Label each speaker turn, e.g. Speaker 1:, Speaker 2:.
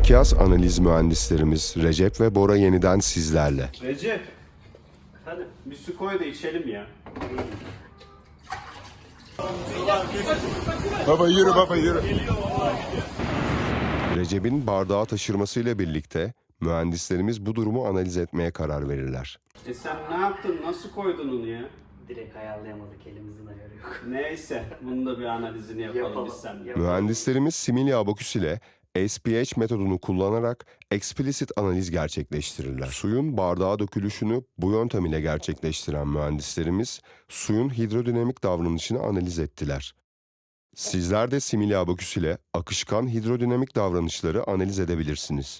Speaker 1: Mikyas analiz mühendislerimiz Recep ve Bora yeniden sizlerle.
Speaker 2: Recep, hadi bir su koy da içelim ya.
Speaker 3: Baba yürü baba yürü.
Speaker 1: Recep'in bardağı taşırmasıyla birlikte mühendislerimiz bu durumu analiz etmeye karar verirler.
Speaker 2: Sen ne yaptın? Nasıl koydun onu ya?
Speaker 4: Direkt ayarlayamadık, elimizin ayarı yok.
Speaker 2: Neyse, bunun da bir analizini yapalım biz seninle.
Speaker 1: Mühendislerimiz Similya Abaküs ile SPH metodunu kullanarak explicit analiz gerçekleştirirler. Suyun bardağa dökülüşünü bu yöntem ile gerçekleştiren mühendislerimiz suyun hidrodinamik davranışını analiz ettiler. Sizler de Similya Abaküs ile akışkan hidrodinamik davranışları analiz edebilirsiniz.